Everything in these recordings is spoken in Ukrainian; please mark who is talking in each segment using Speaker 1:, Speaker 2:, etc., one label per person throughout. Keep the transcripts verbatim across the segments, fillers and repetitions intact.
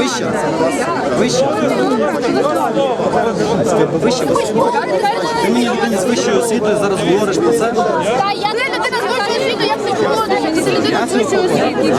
Speaker 1: Вище. Вище. Вище. Ти мені людині з вищою освітою зараз говориш про це?
Speaker 2: Так, я не людина з вищою освітою, як це чого? Це людина з вищою освітою.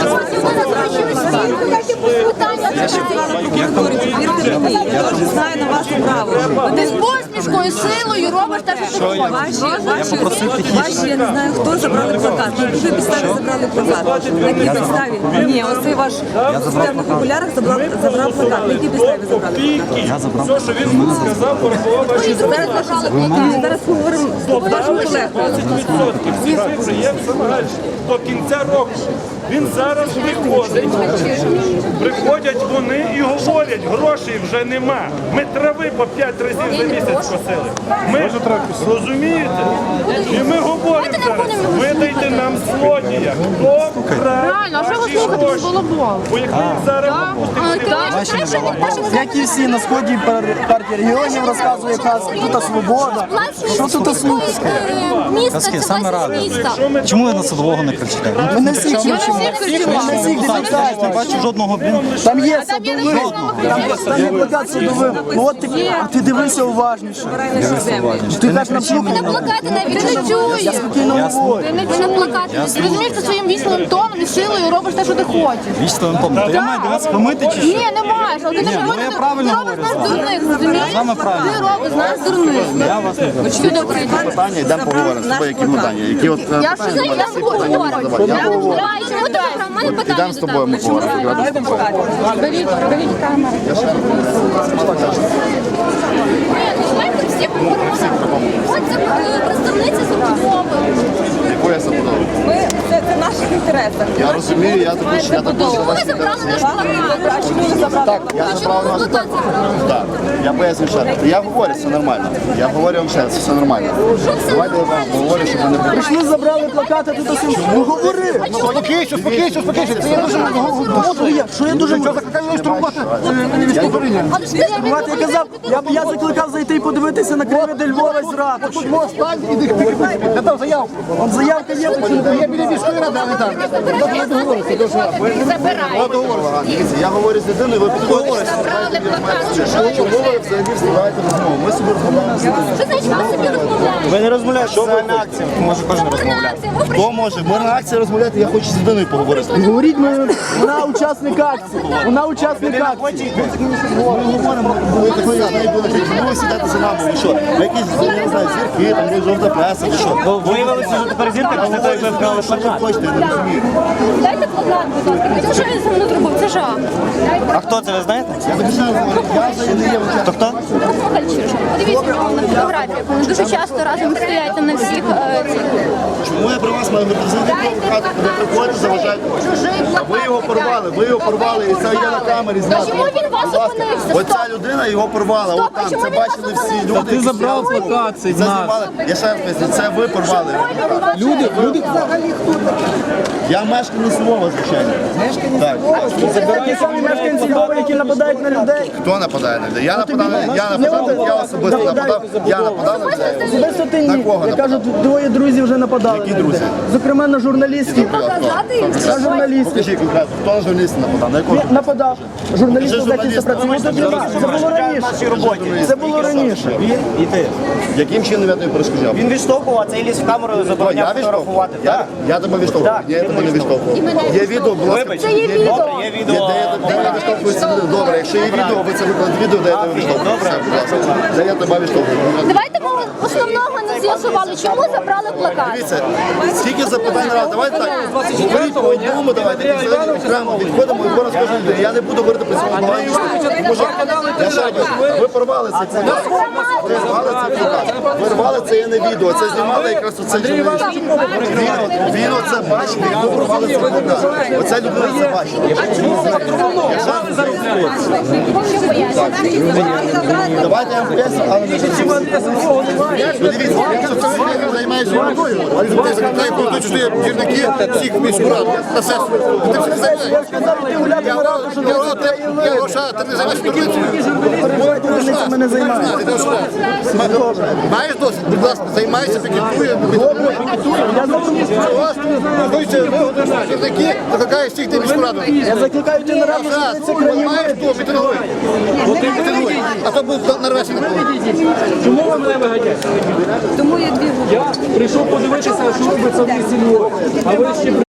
Speaker 3: Я дуже знаю на вас право.
Speaker 2: Ти з посмішкою, силою робиш те, що ти хочеш.
Speaker 3: Ваші, я не знаю, хто забрали плакат. На якій підставі забрали плакат? На якій підставі? Ні, ось цей ваш експерт на популярах забрав забрав плакат. На якій підставі забрали плакат?
Speaker 1: Я забрав.
Speaker 4: Все, що він сказав, порахував ваші
Speaker 3: Зараз наші- зараз поговоримо з вашим колегою.
Speaker 4: двадцять відсотків. Всі цифри є в Самаральщині. До кінця року. Він зараз приходить, приходять вони і говорять, грошей вже нема. Ми трави по п'ять разів за місяць косили. Ми розумієте? І ми говоримо зараз, видайте нам злодія. Хто вкрав
Speaker 2: Реально, а що ви
Speaker 4: наші
Speaker 2: слухаєте
Speaker 4: гроші?
Speaker 2: з балаболом?
Speaker 4: Бо як ми їх зараз
Speaker 5: Як і всі на сході партії регіонів розказує казки, тут свобода. Що тут слухати?
Speaker 1: Казки, саме ради. Чому ви на Садового не кричите?
Speaker 5: Ми не всіх чуємо. Ми не всіх
Speaker 1: Не
Speaker 5: депутатів.
Speaker 1: бачу жодного, блін.
Speaker 5: Там є садовий, там є- там є плакат садовий. Ну от ти, а ти дивися уважніше. Ти так
Speaker 2: На
Speaker 5: наплюхав.
Speaker 2: плакати навіть ти не чуєш.
Speaker 5: Спокійно говори.
Speaker 2: Ти не на плакати. Ти розумієш, ти своїм вічним тоном і силою робиш те, що ти хочеш.
Speaker 1: Вічтовим томом. То я маю до вас помити чи що?
Speaker 2: Ні, не маєш. Але ти не
Speaker 1: Ні, ну, я правильно
Speaker 2: ти робиш
Speaker 1: говорю
Speaker 2: нас
Speaker 1: з вами.
Speaker 2: дурних, розумієш?
Speaker 1: З вами правильно.
Speaker 2: Ти робиш нас дурних.
Speaker 1: Я вас не знаю.
Speaker 2: Сюди прийди.
Speaker 6: Питання, йдемо поговоримо з тобою, які питання. Які от
Speaker 2: Я що за я говорю? Я говорю, чому ти в мене питання?
Speaker 6: йдемо з тобою, ми поговоримо.
Speaker 2: Беріть, беріть камеру. Ні, ну знаєте, всі поговоримо. От це е, представниця забудови.
Speaker 6: Яку я забудову?
Speaker 3: Ми це, це в наших інтересах.
Speaker 6: Я розумію, я також, я також за
Speaker 2: Чому
Speaker 6: вас
Speaker 2: ви забрали наш
Speaker 6: інтересую.
Speaker 2: плакат?
Speaker 3: А чому ви забрали?
Speaker 6: Так, я
Speaker 2: А
Speaker 6: забрав
Speaker 2: чому
Speaker 6: наш
Speaker 2: ви плакат забрали?
Speaker 6: Так, я поясню ще раз. Я говорю, все нормально. Я говорю вам ще раз, все нормально. Давайте я вам говорю, щоб ви не були.
Speaker 5: Прийшли, забрали плакати, тут усім. Ну говори.
Speaker 6: Спокійся, спокійся, спокійся. Це я дуже
Speaker 5: Що я? Що я дуже можу?
Speaker 2: Але ж ти
Speaker 5: Бувати, я казав, я, я закликав зайти і подивитися на кривиди Львова з Ради.
Speaker 6: Я дав заявку.
Speaker 5: Он заявка є,
Speaker 6: Я біля міської ради, а не там.
Speaker 2: забирай.
Speaker 6: Дивіться, я говорю з людиною, ви підходите.
Speaker 2: Забрали плакат.
Speaker 6: Чому ви взагалі встигаєте розмову? Ми собі розмовляємо з людиною.
Speaker 2: Що значить ви собі розмовляєте?
Speaker 1: Ви не розмовляєте, що ви на акції? Може кожен розмовляє.
Speaker 2: Ви
Speaker 6: Хто може? Можна акція розмовляти, я хочу з людиною поговорити.
Speaker 5: говоріть, ми, вона учасник акції. Вона учасник акції.
Speaker 6: Ми говоримо, ви такої з нею були, ви сідати за нами, ви що? Ви якісь, я не знаю, зірки, там, ви жовта преса, ви що?
Speaker 1: Виявилося, що тепер зірка після того, як ви вкрали
Speaker 6: Що ви
Speaker 1: плакат.
Speaker 6: хочете, я не розумію.
Speaker 2: Дайте плакат, будь ласка. Це що він зі мною зробив? Це жах.
Speaker 1: А хто це, ви знаєте?
Speaker 6: Я тобі ще раз говорю, я взагалі не є в
Speaker 1: То хто?
Speaker 2: Фальчишка. Подивіться на на фотографіях. Вони дуже часто разом стоять там на всіх е, цих.
Speaker 6: Чому я при вас маю говорити? Взагалі провокати, ви приходите, заважаєте.
Speaker 2: Чужий плакат.
Speaker 6: Ви його порвали, ви його порвали, і це є на камері знято.
Speaker 2: Чому він вас
Speaker 6: Будь ласка.
Speaker 2: зупинився?
Speaker 6: Оця
Speaker 2: Стоп.
Speaker 6: людина його порвала,
Speaker 2: Стоп,
Speaker 6: от
Speaker 2: а
Speaker 6: там,
Speaker 2: чому
Speaker 6: це
Speaker 2: він вас
Speaker 6: бачили всі
Speaker 2: зупинився?
Speaker 6: люди.
Speaker 1: Ти
Speaker 6: які
Speaker 1: забрав
Speaker 6: сиділи.
Speaker 1: плакат цей
Speaker 6: Це
Speaker 1: знак.
Speaker 6: знімали. Я ще раз поясню, це ви порвали.
Speaker 2: Люди, люди.
Speaker 6: Я мешканець Львова, звичайно. Так.
Speaker 5: Ті самі мешканці Львова, які нападають на людей.
Speaker 6: Хто нападає на людей? Я нападав, я нападав, я особисто нападав, я нападав на людей.
Speaker 5: Особисто ти
Speaker 6: На
Speaker 5: ні.
Speaker 6: кого
Speaker 5: Я
Speaker 6: нападав?
Speaker 5: кажу, твої друзі вже нападали.
Speaker 6: Які
Speaker 5: на людей.
Speaker 6: друзі?
Speaker 5: Зокрема, на журналістів. На журналістів.
Speaker 6: Покажіть конкретно, хто на журналіста нападав, на якого?
Speaker 5: Нападав. Журналістів
Speaker 6: Вже
Speaker 5: за які
Speaker 6: журналіст.
Speaker 5: працюють. Це було раніше. Це було раніше.
Speaker 1: І ти.
Speaker 6: Яким чином я тобі перешкоджав?
Speaker 1: Він відштовхував, а цей ліз в камеру
Speaker 6: Хто,
Speaker 1: забороняв
Speaker 6: я відштовхував?
Speaker 1: фотографувати.
Speaker 6: Я,
Speaker 1: Так.
Speaker 6: я тебе відштовхував? Ні, я тебе не відштовхував. Є відео, будь ласка.
Speaker 1: Вибач.
Speaker 2: Це є відео.
Speaker 1: Добре, є
Speaker 6: Є,
Speaker 1: відео.
Speaker 6: де я, де я відштовхуюся? Добре, якщо є відео, ви це викладете відео, де я тебе відштовхую. Все, будь ласка. Де я тебе відштовхую?
Speaker 2: Давайте ми основного не з'ясували. Чому забрали плакат?
Speaker 6: Дивіться, скільки запитань раз. Давайте так, говоріть по одному, давайте взагалі окремо відходимо і зараз скажу людей. Я не буду говорити про цьому багато. Тому що я ще раз, ви порвали цей плакат. Ви рвали цей плакат. Ви рвали це є не відео. Це знімали якраз оцей журналіст. Він, от- він оце бачив, як ви порвали цей плакат. Оця людина це бачила. Я ще раз Давайте я вам поясню, але не Подивіться, Що це я займаюся водою. Ти закликає про що є гірники всіх міську раду на сесію. Ти всіх займаєш. Я гроша, ти не займаєшся дурницею.
Speaker 5: Ми не займаємося.
Speaker 6: Маєш досвід? Будь ласка, займайся, пікетує. Гірники закликає всіх ти міську раду.
Speaker 5: Я закликаю ти на раду,
Speaker 6: Раз,
Speaker 5: що це країна.
Speaker 6: маєш хто, мітингуй. Мітингуй. А то буде нарвешся на кого.
Speaker 7: Чому ви мене виганяєте?
Speaker 3: Тому є дві групи.
Speaker 7: Я прийшов подивитися, що робиться в місті Львові. А ви ще